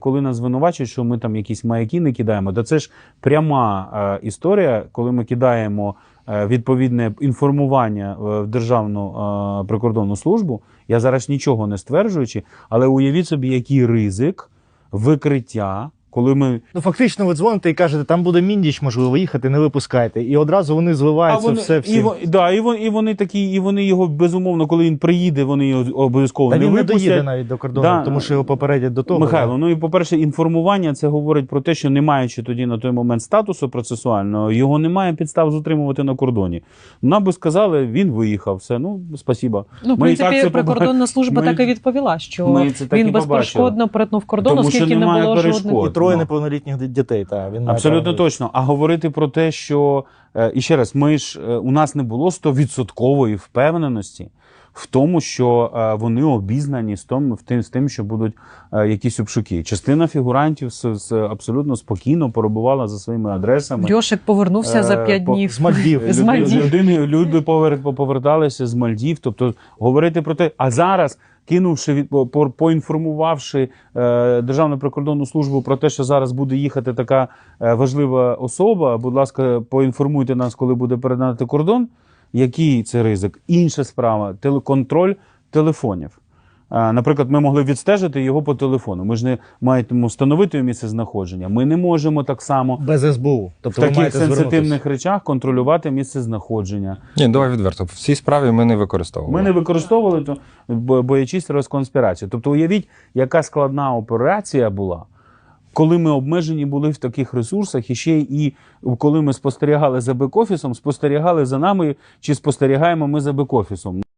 Коли нас звинувачують, що ми там якісь маяки не кидаємо, то це ж пряма історія, коли ми кидаємо відповідне інформування в Державну прикордонну службу. Я зараз нічого не стверджуючи, але уявіть собі, який ризик викриття, коли ми... Ну, фактично, ви дзвоните і кажете, там буде Міндіч, можливо, їхати, не випускайте. І одразу вони зливаються всі. І вони такі, і вони його, безумовно, коли він приїде, вони його обов'язково не випустять. Та він не доїде навіть до кордону, тому що його попередять до того. Михайло, ну і, по-перше, інформування, це говорить про те, що не маючи тоді на той момент статусу процесуального, його немає підстав затримувати на кордоні. Нам би сказали, він виїхав, все, ну, спасибо. Ну, в принципі, прикордонна служба так і відповіла, що він безперешкодно перетнув кордон, оскільки не було жодних... Троє неповнолітніх дітей. Абсолютно точно. А говорити про те, що, і ще раз, у нас не було 100% впевненості в тому, що вони обізнані з тим, що будуть якісь обшуки. Частина фігурантів абсолютно спокійно перебувала за своїми адресами. Льошик повернувся за 5 днів. З Мальдів. Люди поверталися з Мальдів. Тобто говорити про те, а зараз, поінформувавши Державну прикордонну службу про те, що зараз буде їхати така важлива особа, будь ласка, поінформуйте нас, коли буде перетинати кордон. Який це ризик? Інша справа – контроль телефонів. Наприклад, ми могли відстежити його по телефону. Ми ж не маємо встановити його місце знаходження. Ми не можемо так само без СБУ. Тобто в таких сенситивних речах контролювати місце знаходження. Ні, давай відверто. В цій справі ми не використовували. Ми не використовували, боячись розконспірації. Тобто уявіть, яка складна операція була, коли ми обмежені були в таких ресурсах, і ще і коли ми спостерігали за бек-офісом, спостерігали за нами, чи спостерігаємо ми за бек-офісом.